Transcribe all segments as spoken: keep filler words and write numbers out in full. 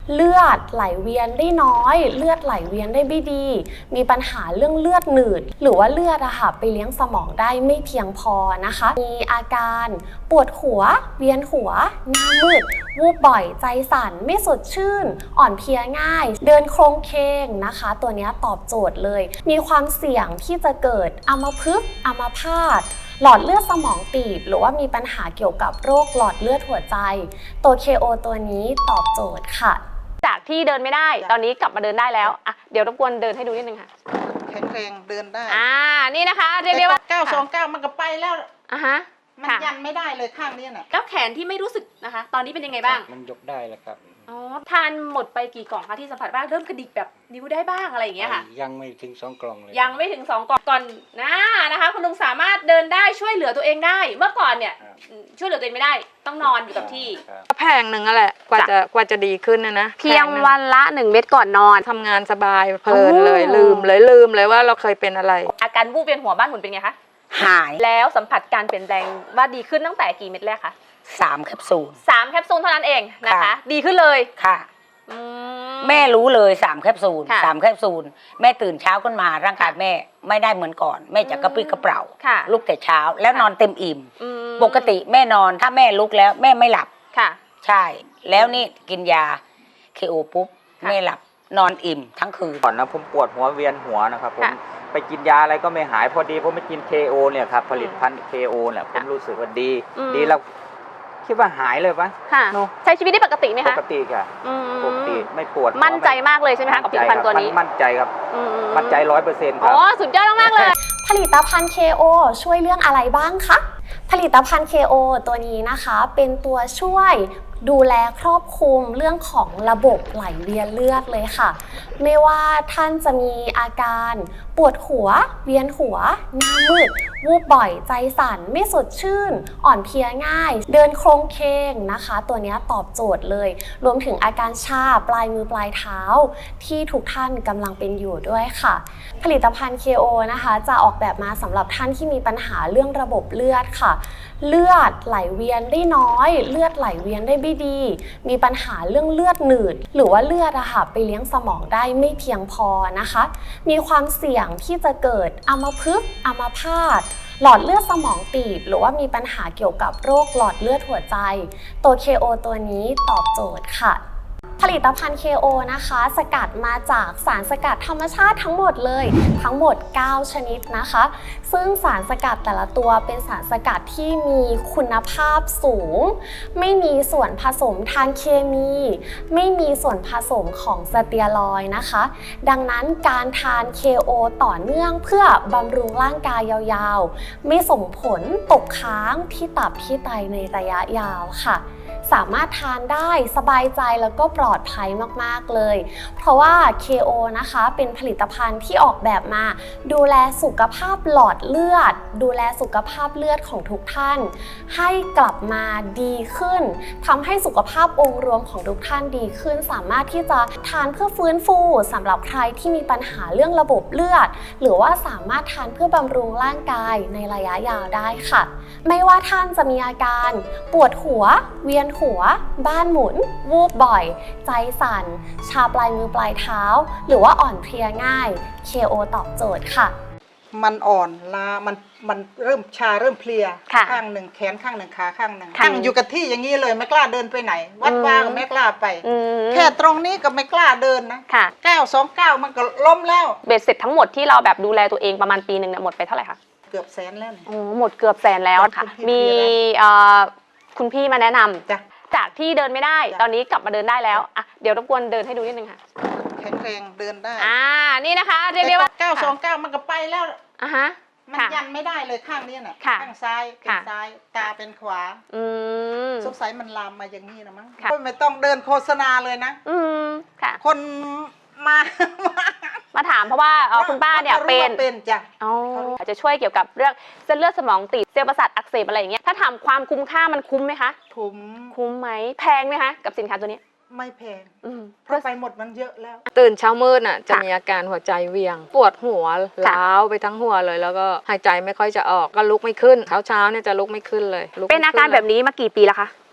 เลือดไหลเวียนได้น้อยเลือดไหลเวียนได้ไม่ดีมีปัญหาเรื่องเลือดหนืดหรือว่าเลือดอะค่ะไปเลี้ยงสมองได้ไม่เพียงพอนะคะมีอาการปวดหัวเวียนหัวหน้ามืดวูบบ่อยใจสั่นไม่สดชื่นอ่อนเพลียง่ายเดินโครงเคงนะคะตัวนี้ตอบโจทย์เลยมีความเสี่ยงที่จะเกิดอัมพฤกษ์อัมพาตหลอดเลือดสมองตีบหรือว่ามีปัญหาเกี่ยวกับโรคหลอดเลือดหัวใจตัว เค โอ ตัวนี้ตอบโจทย์ค่ะจากที่เดินไม่ได้ตอนนี้กลับมาเดินได้แล้วอ่ะเดี๋ยวรบกวนเดินให้ดูนิดนึงค่ะแข็งแรงเดินได้อ่านี่นะคะเรียกได้ว่าเก้าสองเก้ามันก็ไปแล้วอ่ะฮะมันยันไม่ได้เลยข้างนี้น่ะแล้วแขนที่ไม่รู้สึกนะคะตอนนี้เป็นยังไงบ้างมันยกได้แล้วครับอ๋อทานหมดไปกี่กล่องคะที่สัมผัสบ้างเริ่มกระดิกแบบนิ้วได้บ้างอะไรอย่างเงี้ยค่ะยังไม่ถึงสองกล่องเลยยังไม่ถึงสองกล่องก่อนนะนะคะคุณลุงสามารถเดินได้ช่วยเหลือตัวเองได้เมื่อก่อนเนี่ยช่วยเหลือตัวเองไม่ได้ต้องนอนอยู่กับที่แพงหนึ่งอะแหละกว่าจะกว่าจะดีขึ้นนะนะเพียงวันละหนึ่งเม็ดก่อนนอนทำงานสบายเพลินเลยลืมเลยลืมเลยว่าเราเคยเป็นอะไรอาการวูบเวียนหัวบ้านหมุนเป็นไงคะหายแล้วสัมผัสการเปลี่ยนแปลงว่าดีขึ้นตั้งแต่กี่เม็ดแรกคะสามแคปซูลสามแคปซูลเท่านั้นเองนะคะดีขึ้นเลยค่ะแม่รู้เลยสามแคปซูลสามแคปซูลแม่ตื่นเช้าขึ้นมาร่างกายแม่ไม่ได้เหมือนก่อนแม่จะกระปรี้กระเปร่าลุกแต่เช้าแล้วนอนเต็มอิ่มปกติแม่นอนถ้าแม่ลุกแล้วแม่ไม่หลับค่ะใช่แล้วนี่กินยาเคโอปุ๊บแม่หลับนอนอิ่มทั้งคืนก่อนนะผมปวดหัวเวียนหัวนะครับผมไปกินยาอะไรก็ไม่หายพอดีผมไปกิน เค โอ เนี่ยครับผลิตภัณฑ์ เค โอ เนี่ยผมรู้สึกว่าดีดีแล้วคิดว่าหายเลยปะค่ะใช้ชีวิตได้ปกติไหมคะปกติค่ะปกติไม่ปวดมั่นใจมากเลยใช่ไหมคะกับผลิตภัณฑ์ตัวนี้มั่นใจครับมั่นใจร้อยเปอร์เซ็นต์ครับอ๋อสุดยอดมากเลยผลิตภัณฑ์ เค โอ ช่วยเรื่องอะไรบ้างคะผลิตภัณฑ์ เค โอ ตัวนี้นะคะเป็นตัวช่วยดูแลครอบคลุมเรื่องของระบบไหลเวียนเลือดเลยค่ะไม่ว่าท่านจะมีอาการปวดหัวเวียนหัวหน้ามืดวูบบ่อยใจสั่นไม่สดชื่นอ่อนเพลียง่ายเดินโครงเคงนะคะตัวนี้ตอบโจทย์เลยรวมถึงอาการชาปลายมือปลายเท้าที่ทุกท่านกำลังเป็นอยู่ด้วยค่ะผลิตภัณฑ์ เค โอ นะคะจะออกแบบมาสำหรับท่านที่มีปัญหาเรื่องระบบเลือดค่ะเลือดไหลเวียนได้น้อยเลือดไหลเวียนได้ไม่ดีมีปัญหาเรื่องเลือดหนืดหรือว่าเลือดอะค่ะไปเลี้ยงสมองได้ไม่เพียงพอนะคะมีความเสี่ยงที่จะเกิดอัมพฤกษ์อัมพาตหลอดเลือดสมองตีบหรือว่ามีปัญหาเกี่ยวกับโรคหลอดเลือดหัวใจตัว เค โอ ตัวนี้ตอบโจทย์ค่ะผลิตภัณฑ์ เค โอ นะคะสกัดมาจากสารสกัดธรรมชาติทั้งหมดเลยทั้งหมดเก้าชนิดนะคะซึ่งสารสกัดแต่ละตัวเป็นสารสกัดที่มีคุณภาพสูงไม่มีส่วนผสมทางเคมีไม่มีส่วนผสมของสเตียรอยด์นะคะดังนั้นการทาน เค โอ ต่อเนื่องเพื่อบำรุงร่างกายยาวๆไม่ส่งผลตกค้างที่ตับที่ไตในระยะยาวค่ะสามารถทานได้สบายใจแล้วก็ปลอดภัยมากๆเลยเพราะว่า เค โอ นะคะเป็นผลิตภัณฑ์ที่ออกแบบมาดูแลสุขภาพหลอดเลือดดูแลสุขภาพเลือดของทุกท่านให้กลับมาดีขึ้นทำให้สุขภาพองค์รวมของทุกท่านดีขึ้นสามารถที่จะทานเพื่อฟื้นฟูสำหรับใครที่มีปัญหาเรื่องระบบเลือดหรือว่าสามารถทานเพื่อบำรุงร่างกายในระยะยาวได้ค่ะไม่ว่าท่านจะมีอาการปวดหัวเวียนหัวบ้านหมุนวูบบ่อยใจสั่นชาปลายมือปลายเท้าหรือว่าอ่อนเพลียง่าย เค โอ ตอบโจทย์ค่ะมันอ่อนล้ามันมันเริ่มชาเริ่มเพลียข้างหนึ่งแขนข้างหนึ่งขาข้างหนึ่งข้างอยู่กับที่อย่างนี้เลยไม่กล้าเดินไปไหนวัดว่าก็ไม่กล้าไปแค่ตรงนี้ก็ไม่กล้าเดินนะเก้าสองเก้ามันก็ล้มแล้วเบ็ดเสร็จทั้งหมดที่เราแบบดูแลตัวเองประมาณปีหนึ่งเนี่ยหมดไปเท่าไหร่คะเกือบแสนแล้วโอ้หมดเกือบแสนแล้วค่ะมีคุณพี่มาแนะนำจากที่เดินไม่ได้ตอนนี้กลับมาเดินได้แล้วอ่ะเดี๋ยวรบกวนเดินให้ดูนิดนึงค่ะแข็งแรงเดินได้อ่านี่นะคะเรียกได้ว่าเก้าสองเก้ามันก็ไปแล้วอ่ะฮะมันยันไม่ได้เลยข้างนี้น่ะข้างซ้ายเป็นซ้ายตาเป็นขวาอืมสงสัยมันลามมาอย่างนี้นะมั้งไม่ต้องเดินโฆษณาเลยนะอืมค่ะคนมามาถามเพราะว่าคุณป้าเนี่ยเป็นเป็นจ้ะอ๋อจะช่วยเกี่ยวกับเรื่องเส้นเลือดสมองตีบเซลล์ประสาทอักเสบอะไรอย่างเงี้ยถ้าถามความคุ้มค่ามันคุ้มไหมคะคุ้มคุ้มไหมแพงไหมคะกับสินค้าตัวนี้ไม่แพงเพราะไปหมดมันเยอะแล้วตื่นเช้ามืดน่ะจะมีอาการหัวใจเวียงปวดหัวล้าวไปทั้งหัวเลยแล้วก็หายใจไม่ค่อยจะออกก็ลุกไม่ขึ้นเช้าเช้าเนี่ยจะลุกไม่ขึ้นเลยเป็นอาการแบบนี้มากี่ปีแล้วคะเ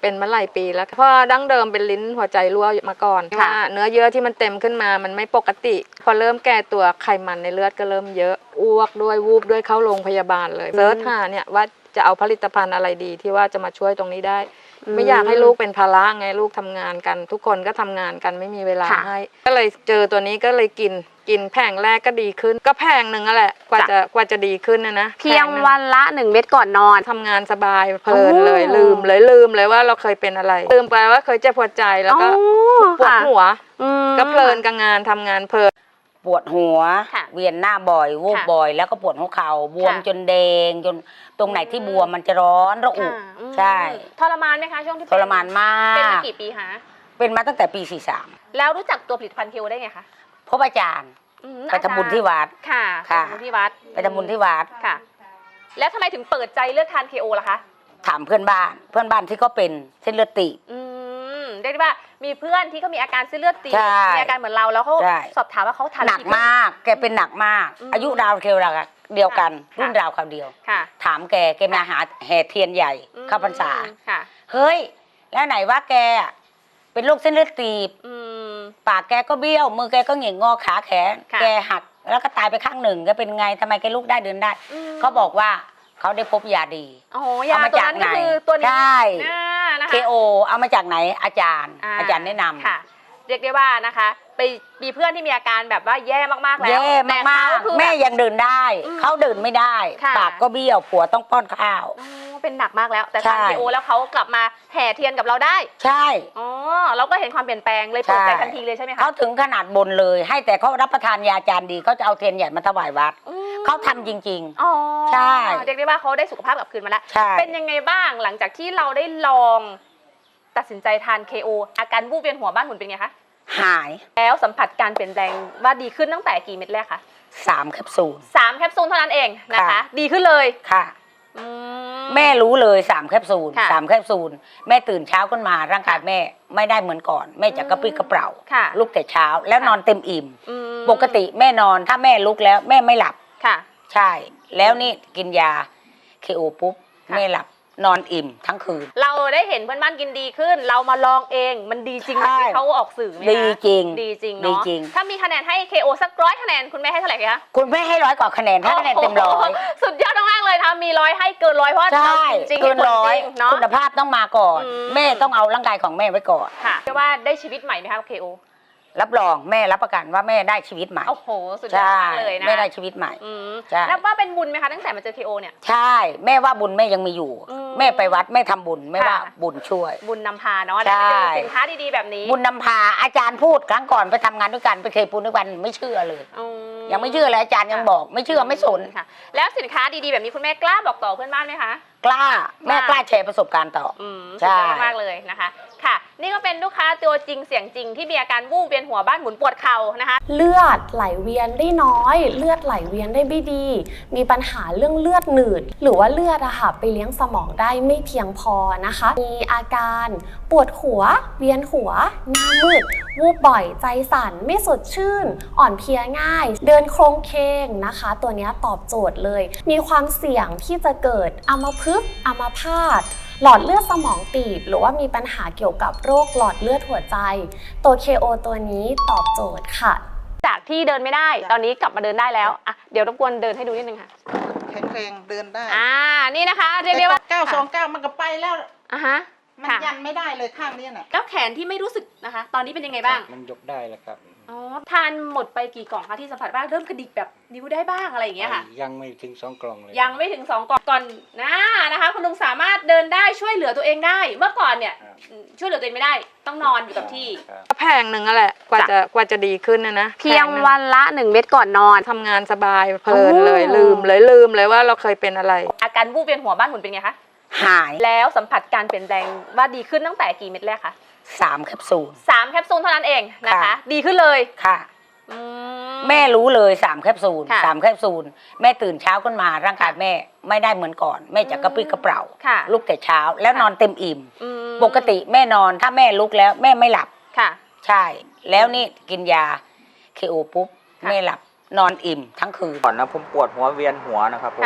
เป็นมาหลายปีแล้วเพราะดั้งเดิมเป็นลิ้นหัวใจรั่วมาก่อนว่าเนื้อเยื่อที่มันเต็มขึ้นมามันไม่ปกติ พอเริ่มแก่ตัวไขมันในเลือดก็เริ่มเยอะอ้วกด้วยวูบด้วยเข้าโรงพยาบาลเลยเซิร์ชหาเนี่ยว่าจะเอาผลิตภัณฑ์อะไรดีที่ว่าจะมาช่วยตรงนี้ได้ไม่อยากให้ลูกเป็นภาระไงลูกทำงานกันทุกคนก็ทำงานกันไม่มีเวลาให้ก็เลยเจอตัวนี้ก็เลยกินกินแผงแรกก็ดีขึ้นก็แผงหนึ่งนั่นแหละกว่าจะกว่าจะดีขึ้นนะนะเพียงวันละหนึ่งเม็ดก่อนนอนทำงานสบายเพลินเลยลืมเลยลืมเลยว่าเราเคยเป็นอะไรลืมไปว่าเคยเจ็บปวดใจแล้วก็ปวดหัวก็เพลินกับงานทำงานเพลินปวดหัวเวียนหน้าบ่อยวูบบ่อยแล้วก็ปวดหัวเข่าบวมจนแดงจนตรงไหนที่บวมมันจะร้อนระอุใช่ทรมานไหมคะช่วงที่ทรมานมากเป็นมากี่ปีคะเป็นมาตั้งแต่ปีสี่สามแล้วรู้จักตัวผลิตภัณฑ์เคโอได้ไงคะพบอาจารย์ไปทำบุญที่วัดค่ะไปทำบุญที่วัดไปทำบุญที่วัดค่ะแล้วทำไมถึงเปิดใจเลือกทานเคโอล่ะคะถามเพื่อนบ้านเพื่อนบ้านที่เขาเป็นเส้นเลือดตีบเรียกได้ว่ามีเพื่อนที่เขามีอาการเส้นเลือดตีบมีอาการเหมือนเราแล้วเขาสอบถามว่าเขาทานหนักมากแกเป็นหนักมากอายุราวเดียวเดียวกันรุ่นราวคราวเดียวถามแกแกมาหาแห่เทียนใหญ่เข้าพรรษาเฮ้ยแล้วไหนว่าแกเป็นโรคเส้นเลือดตีบปากแกก็เบี้ยวมือแกก็เหง่งงอขาแขนแกหักแล้วก็ตายไปข้างหนึ่งแกเป็นไงทำไมแกลุกได้เดินได้เขาบอกว่าเขาได้พบยาดีเอามาจากไหนใช่เคโอเอามาจากไหนอาจารย์อาจารย์แนะนำค่ะเรียกได้ว่านะคะไปมีเพื่อนที่มีอาการแบบว่าแย่มากๆแล้วแย่มากๆแม่ยังเดินได้เขาเดินไม่ได้ปากก็เบี้ยวผัวต้องป้อนข้าวเป็นหนักมากแล้วแต่ทานเคโอแล้วเขากลับมาแห่เทียนกับเราได้ใช่อ๋อเราก็เห็นความเปลี่ยนแปลงเลยเปิดใจทันทีเลยใช่ไหมคะเขาถึงขนาดบนเลยให้แต่เขารับประทานยาจานดีเขาจะเอาเทียนใหญ่มาถวายวัดเขาทำจริงๆอ๋อใช่เรียกได้ว่าเขาได้สุขภาพกลับคืนมาแล้วเป็นยังไงบ้างหลังจากที่เราได้ลองตัดสินใจทาน เค โอ อาการวูบเวียนหัวบ้านหมุนเป็นไงคะหายแล้วสัมผัสการเปลี่ยนแปลงว่าดีขึ้นตั้งแต่กี่เม็ดแรกคะสามแคปซูลสามแคปซูลเท่านั้นเองนะคะดีขึ้นเลยค่ะแม่รู้เลยสามแคปซูลสามแคปซูลแม่ตื่นเช้าขึ้นมาร่างกายแม่ไม่ได้เหมือนก่อนแม่จะกระปรี้กระเปร่าลุกแต่เช้าแล้วนอนเต็มอิ่มปกติแม่นอนถ้าแม่ลุกแล้วแม่ไม่หลับค่ะใช่แล้วนี่กินยาเคโอปุ๊บแม่หลับนอนอิ่มทั้งคืนเราได้เห็นเพื่อนบ้านกินดีขึ้นเรามาลองเองมันดีจริงที่เขาออกสื่อไหมคะดีจริงดีจริงเนาะถ้ามีคะแนนให้ เค โอ สักร้อยคะแนนคุณแม่ให้เท่าไหร่คะคุณแม่ให้ร้อยกว่าคะแนนถ้าคะแนนเต็มร้อยสุดยอดมากเลยทำมีร้อยให้เกินร้อยเพราะใช่จริงเกินร้อยคุณภาพต้องมาก่อนแม่ต้องเอาร่างกายของแม่ไว้ก่อนค่ะเรียกว่าได้ชีวิตใหม่ไหมคะ เค โอรับรองแม่รับประกันว่าแม่ได้ชีวิตใหม่โอ้โหสุดยอดมากเลยนะแม่ได้ชีวิตใหม่นับว่าเป็นบุญไหมคะตั้งแต่มาเจอ เค โอ เนี่ยใช่แม่ว่าบุญแม่ยังมีอยู่แม่ไปวัดแม่ทำบุญแม่ว่าบุญช่วยบุญนำพาเนาะได้เจอสินค้าดีๆแบบนี้บุญนำพาอาจารย์พูดครั้งก่อนไปทำงานด้วยกันไปเคยปูนด้วยกันไม่เชื่อเลยยังไม่เชื่อเลยอาจารย์ยังบอกไม่เชื่อไม่สนค่ะแล้วสินค้าดีๆแบบนี้คุณแม่กล้าบอกต่อเพื่อนบ้านไหมคะกล้าแม่กล้าแชร์ประสบการณ์ต่อใช่มากเลยนะคะค่ะนี่ก็เป็นลูกค้าตัวจริงเสียงจริงที่มีอาการวูบเวียนหัวบ้านหมุนปวดเข่านะคะเลือดไหลเวียนได้น้อยเลือดไหลเวียนได้ไม่ดีมีปัญหาเรื่องเลือดหนืดหรือว่าเลือดอะค่ะไปเลี้ยงสมองได้ไม่เพียงพอนะคะมีอาการปวดหัวเวียนหัวหน้ามืดวูบบ่อยใจสั่นไม่สดชื่นอ่อนเพลียง่ายเดินโครงเคงนะคะตัวนี้ตอบโจทย์เลยมีความเสี่ยงที่จะเกิดอัมพฤกษ์อัมพาตหลอดเลือดสมองตีบหรือว่ามีปัญหาเกี่ยวกับโรคหลอดเลือดหัวใจตัว เค โอ ตัวนี้ตอบโจทย์ค่ะจากที่เดินไม่ได้ตอนนี้กลับมาเดินได้แล้วอ่ะเดี๋ยวรบกวนเดินให้ดูนิดนึงค่ะแข็งแรงเดินได้อ่านี่นะคะเรียกได้ว่าเก้าสองเก้ามันก็ไปแล้วอ่ะฮะมันยันไม่ได้เลยข้างนี้น่ะแล้วแขนที่ไม่รู้สึกนะคะตอนนี้เป็นยังไงบ้างมันยกได้แล้วครับอ๋อทานหมดไปกี่กล่องคะที่สัมผัสว่าเริ่มกระดิกแบบนิ้วได้บ้างอะไรอย่างเงี้ยค่ะยังไม่ถึงสองกล่องเลยยังไม่ถึงสองกล่องก่อนนะนะคะคุณลุงสามารถเดินได้ช่วยเหลือตัวเองได้เมื่อก่อนเนี่ยช่วยเหลือตัวเองไม่ได้ต้องนอนอยู่กับที่แผงหนึ่งนั่นแหละกว่าจะกว่าจะดีขึ้นนะนะเพียงวันละหนึ่งเม็ดก่อนนอนทำงานสบายเพลินเลยลืมเลยลืมเลยว่าเราเคยเป็นอะไรอาการวูบเวียนหัวบ้านหมุนเป็นไงคะหายแล้วสัมผัสการเปลี่ยนแปลงว่าดีขึ้นตั้งแต่กี่เม็ดแรกคะสามแคปซูลสามแคปซูลเท่านั้นเองนะคะดีขึ้นเลยค่ะแม่รู้เลยสามแคปซูลสามแคปซูลแม่ตื่นเช้าขึ้นมาร่างกายแม่ไม่ได้เหมือนก่อนแม่จะกระปรี้กระเปร่าลุกแต่เช้าแล้วนอนเต็มอิ่มปกติแม่นอนถ้าแม่ลุกแล้วแม่ไม่หลับค่ะใช่แล้วนี่กินยาเคโอปุ๊บแม่หลับนอนอิ่มทั้งคืนก่อนนะผมปวดหัวเวียนหัวนะครับผมไป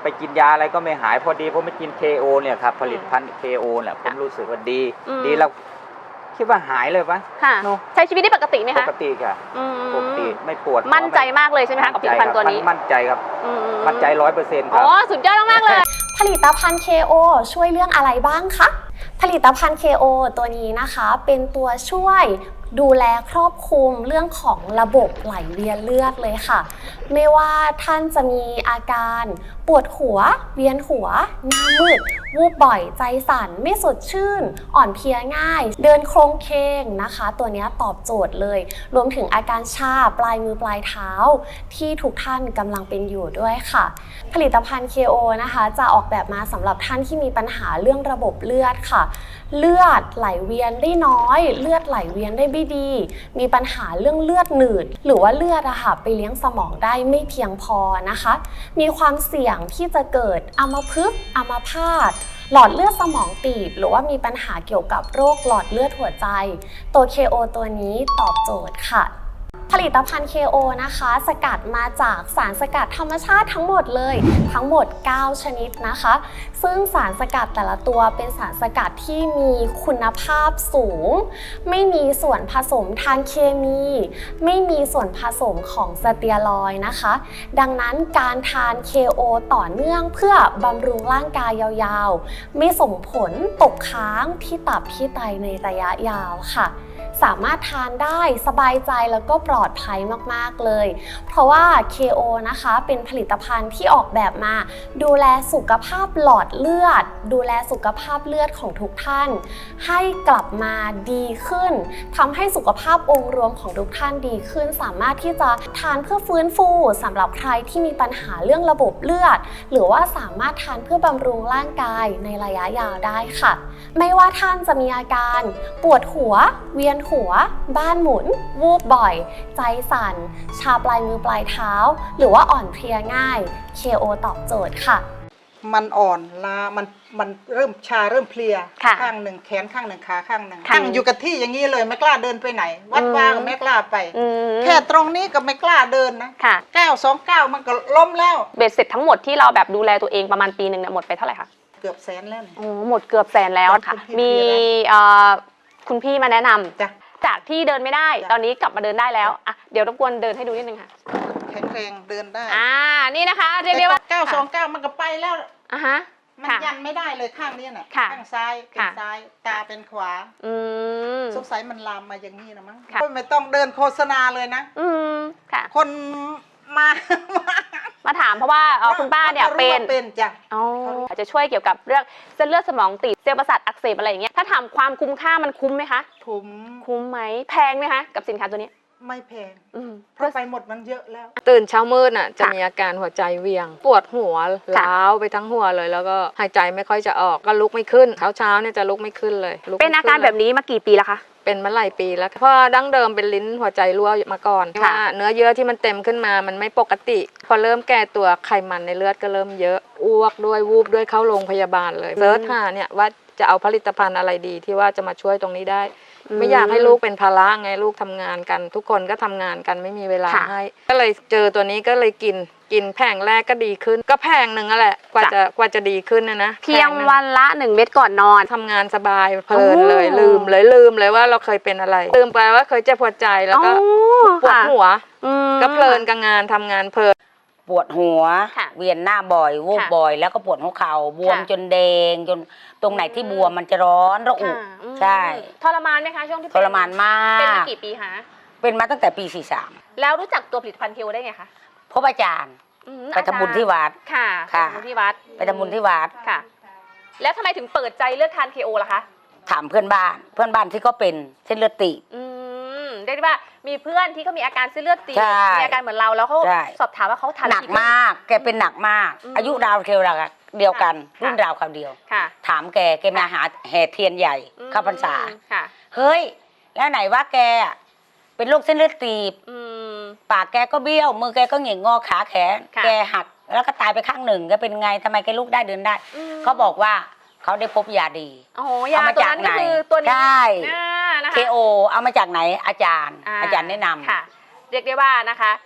ไปกินยาอะไรก็ไม่หายพอดีผมไปกิน เค โอ เนี่ยครับผลิตภัณฑ์ เค โอ เนี่ยผมรู้สึกว่าดี ดีแล้วคิดว่าหายเลยปะค่ะเนอะใช้ชีวิตได้ปกติไหมปคะกติค่ะอืมปกติไม่ปวดมั่นใจมากเลยใช่ไหมคะกับผลิตภัณฑ์ตัวนี้มั่นใจครับอืมั่นใจร้อยเปอร์เซ็นต์คอ๋รับอสุดยอดมากๆเลยผลิตภัณฑ์ เค โอ ช่วยเรื่องอะไรบ้างคะ ผลิตภัณฑ์ เค โอ ตัวนี้นะคะเป็นตัวช่วยดูแลครอบคลุมเรื่องของระบบไหลเวียนเลือดเลยค่ะ ไม่ว่าท่านจะมีอาการปวดหัวเวียนหัวหน้ามืดวูบบ่อยใจสั่นไม่สดชื่น อ่อนเพลียง่าย เดินโครงเคงนะคะ ตัวนี้ตอบโจทย์เลย รวมถึงอาการชาปลายมือปลายเท้าที่ทุกท่านกำลังเป็นอยู่ด้วยค่ะ ผลิตภัณฑ์ เค โอ นะคะจะออกแบบมาสำหรับท่านที่มีปัญหาเรื่องระบบเลือดค่ะ เลือดไหลเวียนได้น้อยเลือดไหลเวียนได้ไม่ดี มีปัญหาเรื่องเลือดหนืดหรือว่าเลือดอะค่ะไปเลี้ยงสมองได้ไม่เพียงพอนะคะ มีความเสี่ยงที่จะเกิดอัมพฤกษ์อัมพาตหลอดเลือดสมองตีบหรือว่ามีปัญหาเกี่ยวกับโรคหลอดเลือดหัวใจ ตัว เค โอ ตัวนี้ตอบโจทย์ค่ะ ผลิตภัณฑ์ เค โอ นะคะสกัดมาจากสารสกัดธรรมชาติทั้งหมดเลยทั้งหมดเก้าชนิดนะคะซึ่งสารสกัดแต่ละตัวเป็นสารสกัดที่มีคุณภาพสูงไม่มีส่วนผสมทางเคมีไม่มีส่วนผสมของสเตียรอยด์นะคะดังนั้นการทาน เค โอ ต่อเนื่องเพื่อบำรุงร่างกายยาวๆไม่ส่งผลตกค้างที่ตับที่ไตในระยะยาวค่ะสามารถทานได้สบายใจแล้วก็ปลอดภัยมากๆเลยเพราะว่า เค โอ นะคะเป็นผลิตภัณฑ์ที่ออกแบบมาดูแลสุขภาพหลอดเลือดดูแลสุขภาพเลือดของทุกท่านให้กลับมาดีขึ้นทำให้สุขภาพองค์รวมของทุกท่านดีขึ้นสามารถที่จะทานเพื่อฟื้นฟูสำหรับใครที่มีปัญหาเรื่องระบบเลือดหรือว่าสามารถทานเพื่อบำรุงร่างกายในระยะยาวได้ค่ะไม่ว่าท่านจะมีอาการปวดหัวเวียนหัวบ้านหมุนวูบบ่อยใจสั่นชาปลายมือปลายเท้าหรือว่าอ่อนเพลียง่าย เค โอ ตอบโจทย์ค่ะมันอ่อนล้ามันมันเริ่มชาเริ่มเพลียค่ะข้างหนึ่งแขนข้างหนึ่งขาข้างหนึ่งค่ะนั่งอยู่กับที่อย่างนี้เลยไม่กล้าเดินไปไหน วัดอืมว่าก็ไม่กล้าไปอืมแค่ตรงนี้ก็ไม่กล้าเดินนะค่ะก้าวสองก้าวมันก็ล้มแล้วเบ็ดเสร็จทั้งหมดที่เราแบบดูแลตัวเองประมาณปีหนึ่งเนี่ยหมดไปเท่าไหร่คะเกือบแสนแล้วเนี่ยโอ้หมดเกือบแสนแล้วค่ะคุณพี่มีเอ่อคุณพี่มาแนะนำจ้ะจากที่เดินไม่ได้จ้ะตอนนี้กลับมาเดินได้แล้วอ่ะเดี๋ยวรบกวนเดินให้ดูนิดนึงค่ะแข็งแรงเดินได้อ่านี่นะคะเรียกได้ว่าก้าวสองก้าวมันก็ไปแล้วอ่ะฮะมันค่ะยันไม่ได้เลยข้างนี้น่ะค่ะข้างซ้ายเป็นค่ะซ้ายตาเป็นขวาอืมสงสัยมันลามมาอย่างนี้นะมั้งค่ะไม่ต้องเดินโฆษณาเลยนะอืมค่ะคนมามาถามเพราะว่าเอ่อคุณป้าเนี่ยรู้เป็นว่าเป็นจ้ะอ๋ออาจจะช่วยเกี่ยวกับเรื่องเส้นเลือดสมองตีบเซลล์ประสาทอักเสบอะไรอย่างเงี้ยถ้าถามความคุ้มค่ามันคุ้มไหมคะถุมคุ้มไหมแพงไหมคะกับสินค้าตัวนี้ไม่แพงอืมเพราะไปหมดมันเยอะแล้วตื่นเช้ามืดน่ะจะค่ะมีอาการหัวใจเวียง ปวดหัวล้าวไปทั้งหัวเลย แล้วก็หายใจไม่ค่อยจะออกก็ลุกไม่ขึ้นเช้าเช้าๆเนี่ยจะลุกไม่ขึ้นเลยลุกเป็นไม่อาขึ้การลยแบบนี้มากี่ปีแล้วคะเป็นมาหลายปีแล้วเพราะดั้งเดิมเป็นลิ้นหัวใจรั่วมาก่อนค่ะว่าเนื้อเยื่อที่มันเต็มขึ้นมามันไม่ปกติ พอเริ่มแก่ตัวไขมันในเลือดก็เริ่มเยอะอ้วกด้วยวูบด้วยเข้าโรงพยาบาลเลยเซิร์ชหาเนี่ยว่าจะเอาผลิตภัณฑ์อะไรดีที่ว่าจะมาช่วยตรงนี้ได้ ไม่อยากให้ลูกเป็นภาระไงลูกทำงานกัน ทุกคนก็ทำงานกันไม่มีเวลาค่ะให้ก็เลยเจอตัวนี้ก็เลยกินกินแผงแรกก็ดีขึ้น ก็แผงหนึ่งนั่นแหละกว่าจ้ะจะกว่าจะดีขึ้นนะนะเพียงแผหนึ่วันละหนึ่งเม็ดก่อนนอนทำงานสบายเพลินเลยโอ้ลืมเลยลืมเลยว่าเราเคยเป็นอะไรลืมไปว่าเคยเจ็บปวดใจแล้วก็อ๋อปวดค่ะหัวอืมก็เพลินกับงานทำงานเพลินปวดหัวค่ะเวียนหน้าบ่อยวูบค่ะบ่อย แล้วก็ปวดหัวเข่าบวมค่ะจนแดงจนตรงไหนที่บวมมันจะร้อนระอุค่ะอืมใช่ทรมานไหมคะช่วงที่ทเป็นรมานมาเป็นมาก กี่ปีคะเป็นมาตั้งแต่ปีสี่สามแล้วรู้จักตัวผลิตภัณฑ์เคโอได้ไงคะพบอาจารย์อืมไปทำบุญที่วัดค่ะค่ะไปทำบุญที่วัดไปทำบุญที่วัดค่ะ แล้วทำไมถึงเปิดใจเลือกทานเคโอล่ะคะถามเพื่อนบ้าน เพื่อนบ้านที่ก็เป็นเส้นเลือดตีบอืมเรียกได้ว่ามีเพื่อนที่เขามีอาการเส้นเลือดตีบใช่มีอาการเหมือนเราแล้วเขาใช่สอบถามว่าเขาทานหนักมาก แกเป็นหนักมากอืมอายุราวเทวราเดียวกันค่ะรุ่นราวคราวเดียวค่ะถามแกแกมาหาแห่เทียนใหญ่อืมเข้าพรรษาค่ะเฮ้ย แล้วไหนว่าแกอะเป็นโรคเส้นเลือดตีบอืมปากแกก็เบี้ยว มือแกก็หงิกงอขาแขนค่ะแกหักแล้วก็ตายไปข้างหนึ่งแกเป็นไงทำไมแกลุกได้เดินได้อืมเขาบอกว่าเขาได้พบยาดีโอ้โหยาเอามาตัวจากนั้นก็ไหนคือตัวนี้ใช่อ่านะคะเค โอ เอามาจากไหนอาจารย์ อาจารย์แนะนำค่ะ เรียกได้ว่านะคะ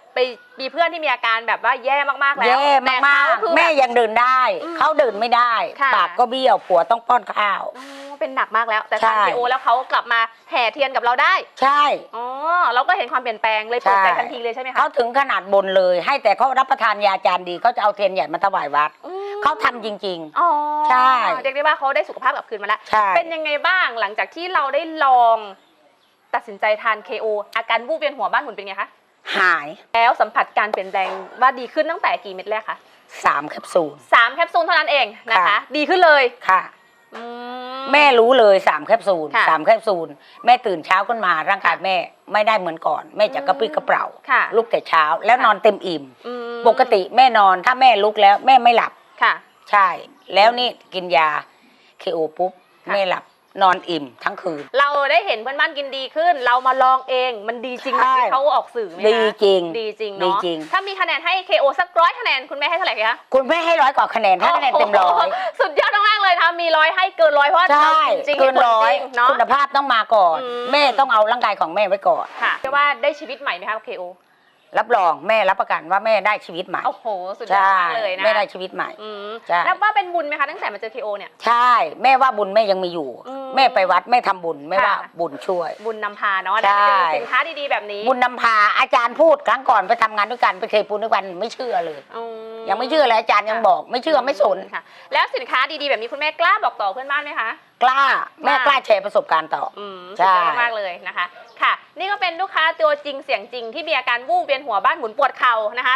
ไปมีเพื่อนที่มีอาการแบบว่าแย่มากๆแล้วแย่แต่มากเขคือๆแม่บบยังเดินได้อืมเขาเดินไม่ได้ค่ะปากก็เบี้ยวผัวต้องป้อนข้าวอ๋อเป็นหนักมากแล้ว แต่ใช่ทานเคโอแล้วเขากลับมาแห่เทียนกับเราได้ใช่อ๋อเราก็เห็นความเปลี่ยนแปลงเลยเปิดใจใช่ทันทีเลยใช่ไหมคะเขาถึงขนาดบนเลย ให้แต่เขารับประทานยาจานดีเขาจะเอาเทียนใหญ่มาถวายวัดอืมเขาทำจริงอ๋อใช่เรียกได้ว่าเขาได้สุขภาพกลับคืนมาแล้วใช่เป็นยังไงบ้างหลังจากที่เราได้ลองตัดสินใจทาน เค โอ อาการวูบเวียนหัวบ้านหมุนเป็นไงคะๆ หายแล้วสัมผัสการเปลี่ยนแปลงว่าดีขึ้นตั้งแต่กี่เม็ดแรกคะสามแคปซูลสามแคปซูลเท่านั้นเองนะคะค่ะดีขึ้นเลยค่ะอืแม่รู้เลยสามแคปซูลค่ะสามแคปซูลแม่ตื่นเช้าขึ้นมาร่างกายแม่ไม่ได้เหมือนก่อน แม่จะกระปรี้กระเปร่าค่ะลุกแต่เช้าแล้วค่ะนอนเต็มอิ่มอืมปกติแม่นอนถ้าแม่ลุกแล้วแม่ไม่หลับค่ะใช่ แล้วนี่กินยาเคโอปุ๊บค่ะแม่หลับนอนอิ่มทั้งคืนเราได้เห็นเพื่อนบ้านกินดีขึ้น เรามาลองเองมันดีจริงอย่างที่เขาออกสื่อไหมคะดีจริงดีจริงดีเนาะจริงถ้ามีคะแนนให้ เค โอ สักร้อยคะแนนคุณแม่ให้เท่าไหร่คะคุณแม่ให้ร้อยกว่าคะแนนถ้าคะแนนเต็มร้อยโโหสุดยอดมากๆเลยนะคะมีร้อยให้เกินร้อยเพราะว่าใช่เราจริงๆเกินร้อยจงๆเนาะคุณภาพต้องมาก่อนอืมแม่ต้องเอาร่างกายของแม่ไว้ก่อนค่ะเรียกว่าได้ชีวิตใหม่ไหมคะ เค โอรับรองแม่รับประกันว่าแม่ได้ชีวิตใหม่โอ้โหสุดยอดใช่มากเลยนะแม่ได้ชีวิตใหม่อืมใช่นับว่าเป็นบุญไหมคะตั้งแต่มาเจอ เค โอ เนี่ยใช่ แม่ว่าบุญแม่ยังมีอยู่อืมแม่ไปวัดแม่ทำบุญแม่ค่ะว่าบุญช่วยบุญนำพาเนาะใช่ได้ไปเจอสินค้าดีๆแบบนี้บุญนำพาอาจารย์พูดครั้งก่อนไปทำงานด้วยกันไปเคยปูนด้วยกันไม่เชื่อเลยอืยังไม่เชื่อเลยอาจารย์ยังบอกไม่เชื่อไม่สนค่ะ แล้วสินค้าดีๆแบบนี้คุณแม่กล้าบอกต่อเพื่อนบ้านไหมคะกล้าแม่กล้าแชร์ประสบการณ์ต่ออืมใช่สุดยอดมากๆเลยนะคะ ค่ะ นี่ก็เป็นลูกค้าตัวจริงเสียงจริงที่มีอาการวูบเวียนหัวบ้านหมุนปวดเข่านะคะ